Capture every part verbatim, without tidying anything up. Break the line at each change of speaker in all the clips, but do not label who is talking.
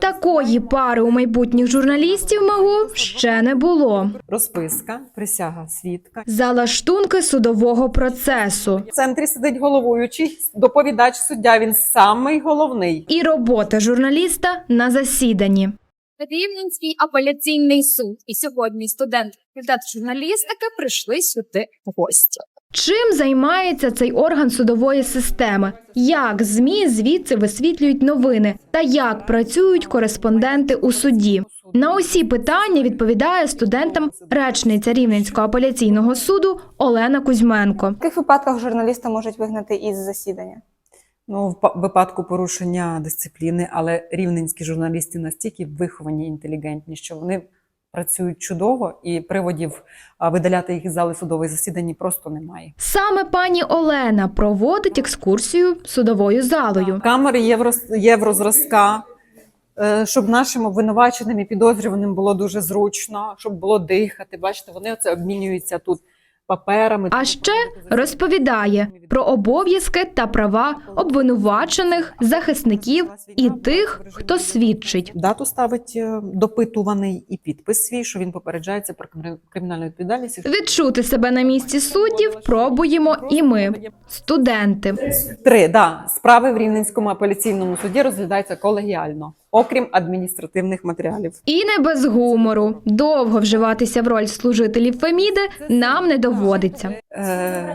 Такої пари у майбутніх журналістів МАГУ ще не було.
Розписка, присяга свідка.
Залаштунки судового процесу.
В центрі сидить головуючий, доповідач суддя, він самий головний.
І робота журналіста на засіданні.
Рівненський апеляційний суд. І сьогодні студенти факультету журналістики прийшли сюди в гості.
Чим займається цей орган судової системи? Як ЗМІ звідси висвітлюють новини? Та як працюють кореспонденти у суді? На усі питання відповідає студентам речниця Рівненського апеляційного суду Олена Кузьменко.
В яких випадках журналіста можуть вигнати із засідання?
Ну, в випадку порушення дисципліни, але рівненські журналісти настільки виховані, інтелігентні, що вони працюють чудово, і приводів видаляти їх із зали судових засідань просто немає.
Саме пані Олена проводить екскурсію судовою залою.
Камери євро, єврозразка, щоб нашим обвинуваченим і підозрюваним було дуже зручно, щоб було дихати. Бачите, вони оце обмінюються тут паперами.
А ще розповідає про обов'язки та права обвинувачених, захисників і тих, хто свідчить.
Дату ставить допитуваний і підпис свій, що він попереджається про кримінальну відповідальність.
Відчути себе на місці суддів пробуємо і ми, студенти.
Три, да, справи в Рівненському апеляційному суді розглядаються колегіально, окрім адміністративних матеріалів.
І не без гумору. Довго вживатися в роль служителів Феміди нам не доводиться.
Е...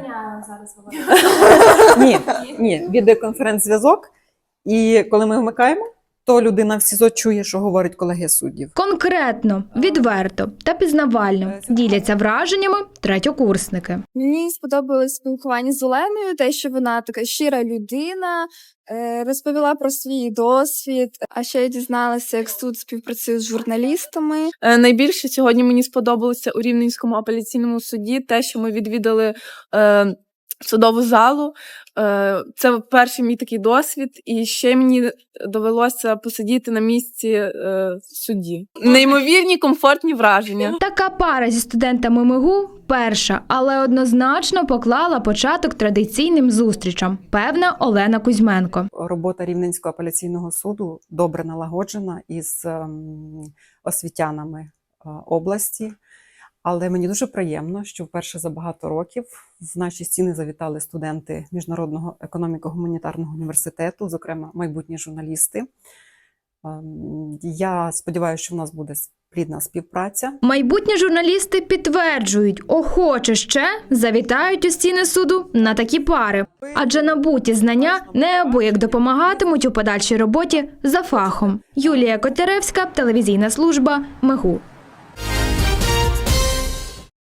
ні, ні, відеоконференц-зв'язок. І коли ми вмикаємо, то людина в СІЗО чує, що говорить колеги суддів.
Конкретно, відверто та пізнавально діляться враженнями третьокурсники.
Мені сподобалось спілкування з Оленою, те, що вона така щира людина, розповіла про свій досвід, а ще я дізналася, як суд співпрацює з журналістами.
Найбільше сьогодні мені сподобалося у Рівненському апеляційному суді те, що ми відвідали е, судову залу. Е, це перший мій такий досвід, і ще мені довелося посидіти на місці е, судді. Неймовірні, комфортні враження.
Така пара зі студентами МИГУ перша, але однозначно поклала початок традиційним зустрічам, певна Олена Кузьменко.
Робота Рівненського апеляційного суду добре налагоджена із ем, освітянами е, області. Але мені дуже приємно, що вперше за багато років в наші стіни завітали студенти Міжнародного економіко-гуманітарного університету, зокрема майбутні журналісти. Я сподіваюся, що в нас буде плідна співпраця.
Майбутні журналісти підтверджують, охоче ще завітають у стіни суду на такі пари. Адже набуті знання неабияк допомагатимуть у подальшій роботі за фахом. Юлія Котляревська, телевізійна служба МИГУ.